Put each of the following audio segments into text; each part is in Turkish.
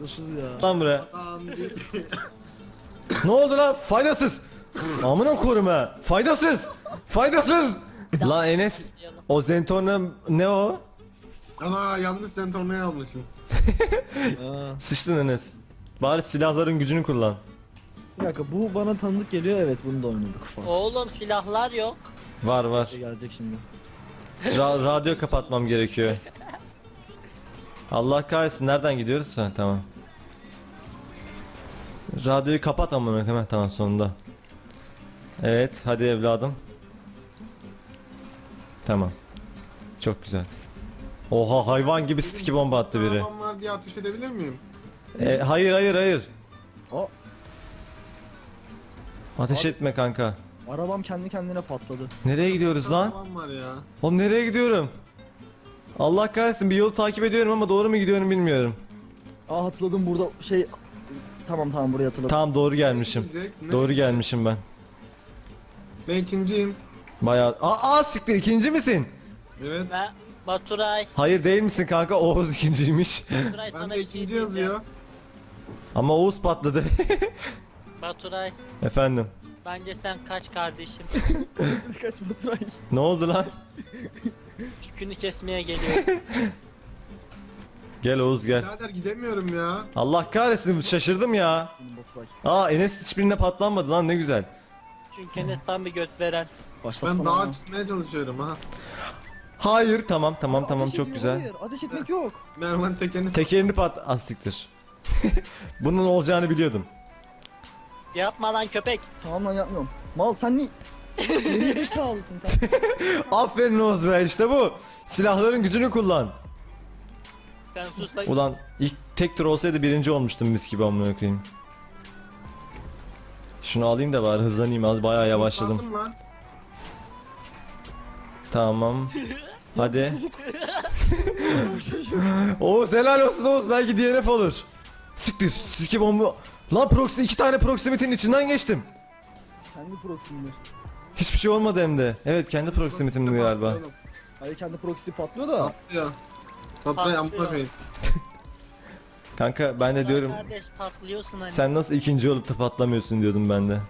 Yaklaşız ya. Lan buraya. Tamam değil. Ne oldu lan? Faydasız. Amına korum ha. Faydasız. Faydasız. Lan Enes, o Zentorna ne o? Ana yanlış sentornayı almışım. Aa, Sıçtın Enes. Bari silahların gücünü kullan. bir dakika bu bana tanıdık geliyor, evet bunu da oynadık falan. Oğlum silahlar yok. Var var. Gelecek şimdi. Radyo kapatmam gerekiyor. Allah kahretsin, nereden gidiyoruz? Ha, tamam. Radyoyu kapat amına hemen, tamam sonunda. Evet hadi evladım. Tamam. Çok güzel. Oha, hayvan gibi sticky bomba attı biri. Arabam var diye ateş edebilir miyim? Hayır hayır hayır. O Ateş Abi- etme kanka. arabam kendi kendine patladı. Nereye gidiyoruz lan? Arabam var ya. Oğlum nereye gidiyorum? Allah kahretsin, bir yolu takip ediyorum ama doğru mu gidiyorum bilmiyorum. Aa hatırladım burada şey. Tamam buraya hatırladım. Tamam doğru gelmişim. Ne? Doğru gelmişim ben. Ben ikinciyim. Bayağı... Siktir, ikinci misin? Evet. Ben Baturay. Hayır değil misin kanka, Oğuz ikinciymiş. Baturay Ben sana de bir şey ikinci diyeceğim. yazıyor. Ama Oğuz patladı. Baturay. Efendim. Bence sen kaç kardeşim. Kaç Baturay. Ne oldu lan? Çükünü kesmeye geliyor. Gel Oğuz gel. Birader gidemiyorum ya. Allah kahretsin, şaşırdım ya. Senin Baturay. Enes hiçbirine patlanmadı lan, ne güzel. Çünkü Enes tam bir göt veren. Başlatsana. Ben dağa ama. çıkmaya çalışıyorum ha. Hayır, tamam Ateş çok ediyor, güzel. Hayır ateş etmek yok. Mervan tekerini Tekerini siktir. Bunun olacağını biliyordum. Yapma lan köpek. Tamam lan yapmıyorum. Mal sen ne? Geri zekalısın sen. Aferin Oğuz be, işte bu. Silahların gücünü kullan. Sen sus lan. Ulan ilk tek tur olsaydı birinci olmuştum mis gibi amına koyayım. Şunu alayım da bari hızlanayım, az bayağı yavaşladım. Kurtardım lan. Tamam. Hadi. Oğuz helal olsun Oğuz, belki DNF olur. Siktir, siki bomba. Lan iki tane proximity'nin içinden geçtim. Kendi proximdir. Hiçbir şey olmadı hem de. Evet, kendi proximity'mdi galiba. Patlıyorum. Hayır kendi proxy patlıyor da. Patlıyor. Patlıyor amına koyayım. Kanka ben de diyorum, Kardeş patlıyorsun hani. sen nasıl ikinci olup da patlamıyorsun diyordum ben de.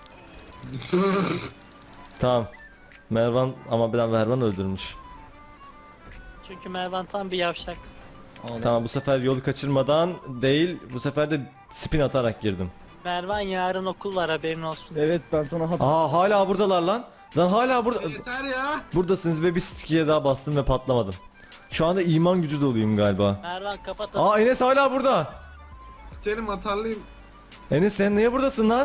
Tamam. Mervan, ama ben Mervan öldürmüş. Çünkü Mervan tam bir yavşak. Tamam, bu sefer yolu kaçırmadan değil, bu sefer de spin atarak girdim. Mervan yarın okul var haberin olsun. Evet ben sana Hala buradalar lan. Lan hala burada. Yeter ya. Buradasınız ve bir sticky'ye daha bastım ve patlamadım. Şu anda iman gücü doluyum galiba. Mervan kapat. Enes hala burada. Sikerim atarlıyım. Enes sen niye buradasın lan?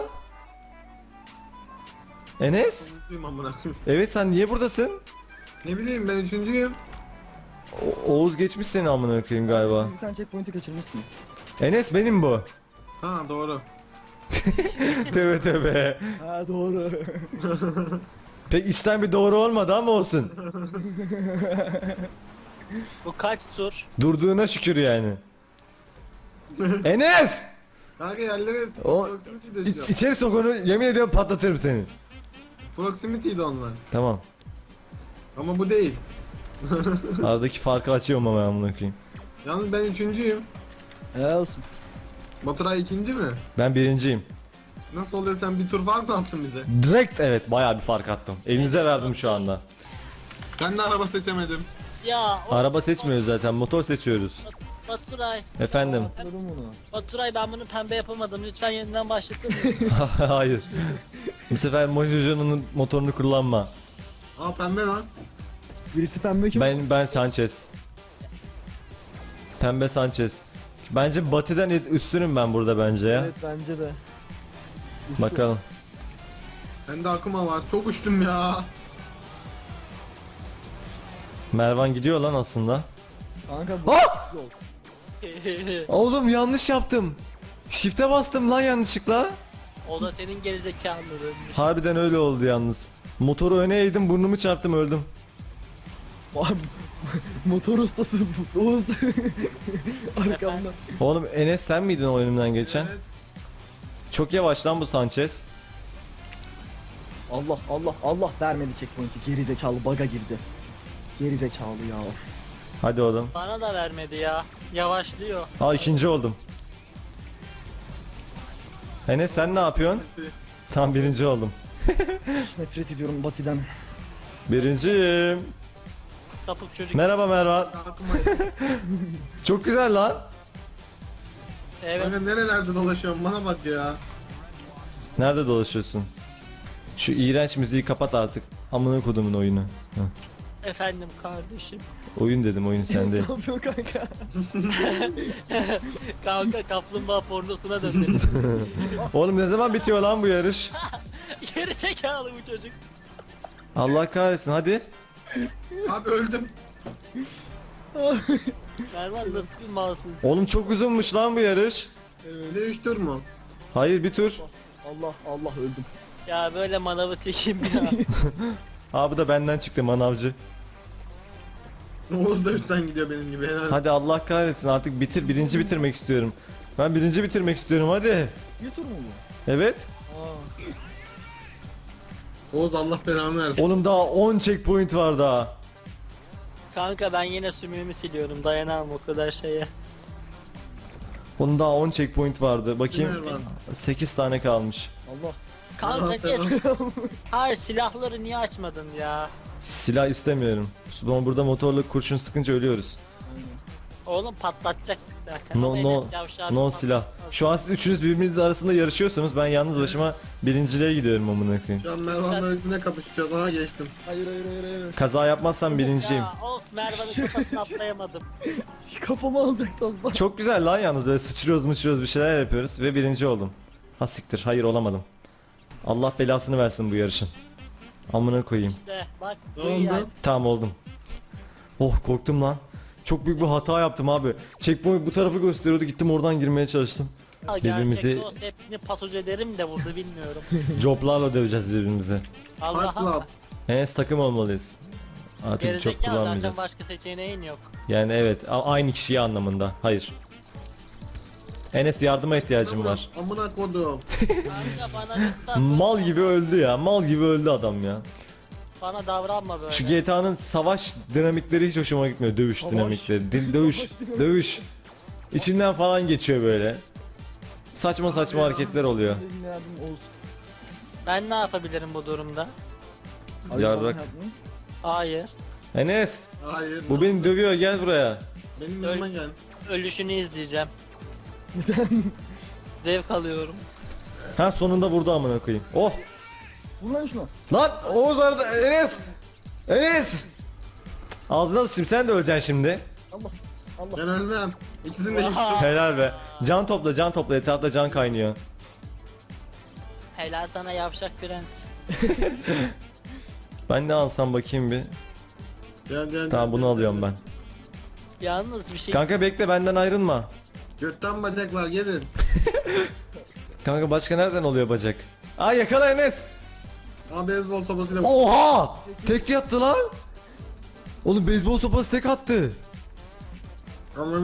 Enes? Mutluyum amına koyayım. Evet, sen niye buradasın? Ne bileyim ben üçüncüyüm. Oğuz geçmiş seni amına koyayım galiba. Siz bir tane checkpoint'i kaçırmışsınız. Enes benim bu. Ha doğru. Tövbe tövbe. Ha doğru. Pek içten bir doğru olmadı ama olsun. Bu kaç tur? Durduğuna şükür yani. Enes! Kanka yerlere O- proximity de içeri sok onu, yemin ediyorum patlatırım seni. Proximity'ydi onlar. Tamam. Ama bu değil. Aradaki farkı açıyorum ama amına koyayım. Yalnız ben üçüncüyüm. Helal olsun. Baturay ikinci mi? Ben birinciyim. Nasıl oluyor, sen bir tur fark mı attın bize? Direkt evet, bayağı bir fark attım. Elinize verdim şu anda. Ben de araba seçemedim. Ya o Araba seçmiyoruz zaten, motor seçiyoruz. Baturay. Efendim. Hatırladım bunu. Baturay ben bunu pembe yapamadım. Lütfen yeniden başlatır mısın? Hayır. Bu sefer Mojojo'nun motorunu kullanma. Aa pembe lan. Birisi pembe kim? Ben Sanchez. Pembe Sanchez. Bence Batı'dan üstünüm ben burada bence ya. Evet bence de. Üstü. Bakalım. Bende akıma var. Çok uçtum ya. Mervan gidiyor lan aslında. Kanka bu Ah! yol. Oğlum yanlış yaptım. Shift'e bastım lan yanlışlıkla. O da senin gerizekalılığın. Harbiden öyle oldu yalnız. Motoru öne eğdim, burnumu çarptım, öldüm. Abi, motor ustası bu. Oğuz. Arkamdan. Oğlum Enes sen miydin o önümden geçen? Evet. Çok yavaş lan bu Sanchez. Allah vermedi checkpoint'i. Geri zekalı bug'a girdi. Geri zekalı ya. Hadi oğlum. Bana da vermedi ya. Yavaşlıyor. İkinci oldum. Enes sen ne yapıyorsun? Tam birinci oldum. Nefret ediyorum Bati'den. Birinciyim. Sapık çocuk. Merhaba Mervan. Aklıma Çok güzel lan. Evet. Kanka nerelerde dolaşıyorum bana bak ya. Nerede dolaşıyorsun? Şu iğrenç müziği kapat artık. Amına kodumun oyunu. Heh. Efendim kardeşim. Oyun dedim, oyun sende. Ne yapıyor kanka? Kanka kaplumbağa pornosuna döndü. Oğlum ne zaman bitiyor lan bu yarış? Geri zekalı bu çocuk. Allah kahretsin hadi. Abi öldüm. Mervan nasıl bir malsın? Oğlum çok uzunmuş lan bu yarış. Ne 3 tur mu? Hayır bir tur. Allah öldüm. Ya böyle manavı çekeyim ya. Abi da benden çıktı manavcı. Oğuz da üstten gidiyor benim gibi. Helal. Hadi Allah kahretsin artık bitir. Birinci bitirmek istiyorum. Ben birinci bitirmek istiyorum hadi. Bir tur mu bu? Evet. Oğuz Allah belanı versin. Oğlum daha 10 checkpoint var daha. Kanka ben yine sümüğümü siliyorum. Dayanamam o kadar şeye. Onun daha 10 checkpoint vardı. Bakayım. Mervan. 8 tane kalmış. Allah. Kanka kes. Hayır silahları niye açmadın ya? Silah istemiyorum. Sonra burada motorla kurşun sıkınca ölüyoruz. Oğlum patlatacak zaten. No Ama no Enes yavşağı no bir silah. Şu an siz üçünüz birbirinizle arasında yarışıyorsunuz. Ben yalnız başıma birinciliğe gidiyorum amına koyayım. Şu an Mervan'la üstüne kapışacağız. Aha geçtim. Hayır. Kaza yapmazsam birinciyim. Ya of Mervan'ın kafasını atlayamadım. Kafamı alacaktı az daha. Çok güzel lan yalnız böyle sıçrıyoruz bir şeyler yapıyoruz ve birinci oldum. Ha siktir hayır olamadım. Allah belasını versin bu yarışın. Amına koyayım. İşte bak. Ne duy oldu? yani. Tamam oldum. Oh korktum lan. Çok büyük bir hata yaptım abi. Checkpoint bu tarafı gösteriyordu gittim oradan girmeye çalıştım. Birbirimizi- Gerçekte olsa hepsini pasoz ederim de burada bilmiyorum. Joblarla döveceğiz birbirimizi. Fight Allah Club. Allah. Enes takım olmalıyız. Artık çok Gerizekalı zaten kullanmayacağız. başka seçeneğin yok. Yani evet aynı kişiye anlamında. Hayır. Enes yardıma ihtiyacım var. Amına kodum. Kanka bana lütfen Mal gibi öldü ya. Mal gibi öldü adam ya. bana davranma böyle. Şu GTA'nın savaş dinamikleri hiç hoşuma gitmiyor. Dövüş Savaş. dinamikleri. Dövüş. Dövüş. İçinden falan geçiyor böyle. Saçma saçma hareketler oluyor. Benim yardım Oğuz. Ben ne yapabilirim bu durumda? Abi Yarrak. bana yardım. Hayır. Enes Hayır. bu beni dövüyor gel buraya. Benim yanıma gel. Ölüşünü izleyeceğim. Zevk alıyorum. Ha sonunda vurdu amına koyayım. Oh. Vur lan şuna. Lan Oğuz arada Enes. Enes. Ağzına sıçayım sen de öleceksin şimdi. Allah. Ben ölmem. İkisini de yıktım. Oha. Helal be. Can topla etrafta can kaynıyor. Helal sana yavşak prens. Ben ne alsam bakayım bir. Gel. Tamam bunu alıyorum ben. Yalnız bir şey Kanka bekle benden ayrılma. Götten bacaklar gelin. Kanka başka nereden oluyor bacak? Aa yakala Enes. Ama beyzbol sopasıyla Oha! Tek yattı lan. Oğlum beyzbol sopası tek attı. Ama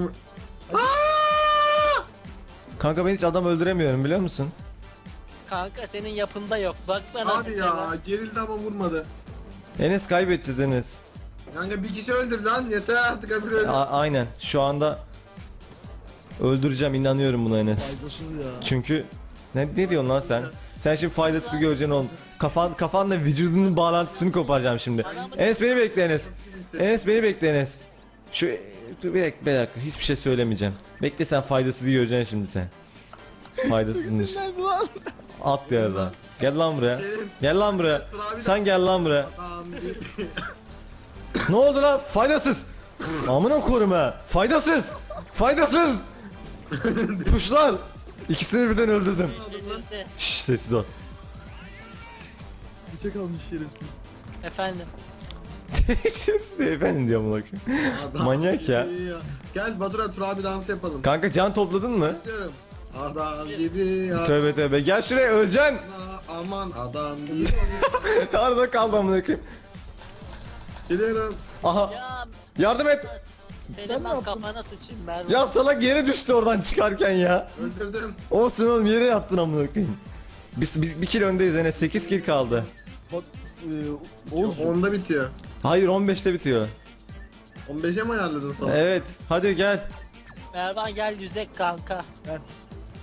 Kanka ben hiç adam öldüremiyorum biliyor musun? kanka senin yapında yok. Bak bana. abi ya gerildi ama vurmadı. Enes kaybedeceğiz Enes. Kanka bir kişi öldür lan yeter artık öbür öldür. Aynen şu anda öldüreceğim inanıyorum buna Enes. Faydasız ya. Çünkü ne diyorsun lan sen? Sen şimdi faydasız göreceksin oğlum. Kafanla vücudunun bağlantısını koparacağım şimdi. Enes beni bekle Enes. Enes beni bekle Enes. Şu dur bir dakika hiçbir şey söylemeyeceğim. Bekle sen faydasızı göreceksin şimdi sen. Faydasızmış. Sinirlendi lan. At yerden. Gel lan buraya. Gel lan buraya. Sen gel lan buraya. Tamam. Ne oldu lan? Faydasız. Amına koyayım ha. Faydasız. Faydasız. Puşlar. İkisini birden öldürdüm. Delirdi. Şşş sessiz ol. Bir tek almış şerefsiz. Efendim. Şerefsiz de efendim diyor amına koyayım. Manyak ya. Gel Batura Tur abi dans yapalım. Kanka can topladın mı? İstiyorum. Adam gibi ya. Tövbe tövbe. Gel şuraya öleceksin. Aman adam gibi. Arada kaldı amına koyayım. Geliyorum. Aha. Ya Yardım et. senin Ben ne ben yaptım? kafana sıçayım Mervan. Ya salak yere düştü oradan çıkarken ya. Öldürdüm. Olsun oğlum yere yattın amına koyayım. Biz bir kill öndeyiz Enes. 8 kill kaldı. Bak Oğuz. 10'da bitiyor. Hayır 15'te bitiyor. 15'e mi ayarladın sonra? Evet. Hadi gel. Mervan gel yüzek kanka. Gel.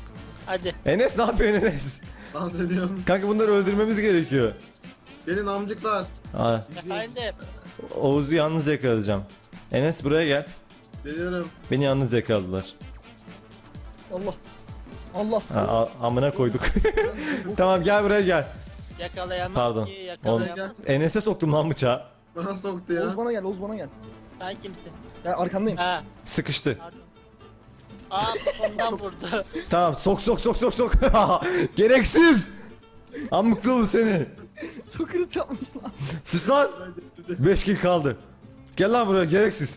Hadi. Enes ne yapıyorsun Enes? Dans ediyorum. Kanka bunları öldürmemiz gerekiyor. Gelin amcıklar. Aa, Efendim. Oğuz'u yalnız yakalayacağım. Enes buraya gel. Geliyorum. Beni yalnız yakaladılar. Allah. Allah. Amına koyduk. Tamam gel buraya gel. Yakalayamam Pardon. ki Oğlum, yakalayamam. Enes'e soktum lan bıçağı. Bana soktu ya. Oğuz bana gel, Oğuz bana gel. Sen kimsin? Ya arkandayım. Ha. Sıkıştı. Pardon. Aa ondan vurdu. Tamam sok. Gereksiz. Amıklı bu seni. Çok hırs yapmış lan. Sus lan. 5 kill kaldı. Gel lan buraya gereksiz.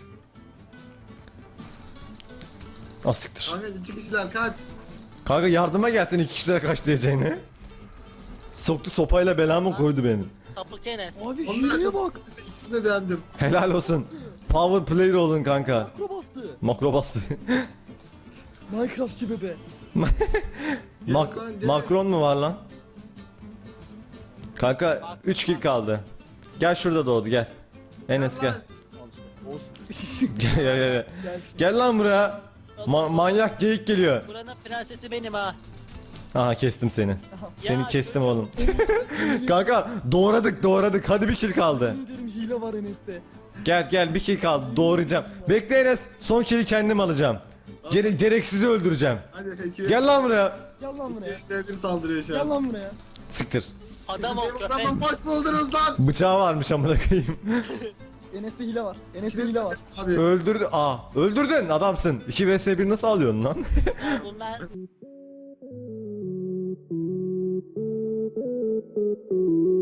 Asiktir. Kanka 2 kişiler kaç. Kanka yardıma gelsin 2 kişilere kaç diyeceğini. Soktu sopayla belamı koydu beni. Sapık Enes. Abi Onlar- hileye bak. İkisini de beğendim. Helal olsun. Power player olun kanka. Makro bastı. Makro bastı. Minecraftçı bebe. Macron mu var lan? Kanka 3 kill kaldı. Gel şurada doğdu gel. Enes gel. Al işte. Oğuz. Gel. Gel. Gel lan buraya. Manyak geyik geliyor. Buranın prensesi benim ha. Aha kestim seni. Seni Ya, kestim oğlum. Kanka doğradık. Hadi bir kill kaldı. Yemin ederim hile var Enes'te. Gel bir kill kaldı. Doğrayacağım. Bekle Enes. Son kill'i kendim alacağım. Gereksizi öldüreceğim. Hadi ekibi. Gel lan buraya. Gel lan buraya. Sevgili saldırıyor şu Gel an. lan buraya. Siktir. Adam ol köpek. Adamı boş buldunuz lan. Bıçağı varmış amına koyayım. Enes'te hile var. Enes'te hile var. Abi Öldürdü. Öldürdün adamsın. 2 vs 1 nasıl alıyorsun lan? Bunlar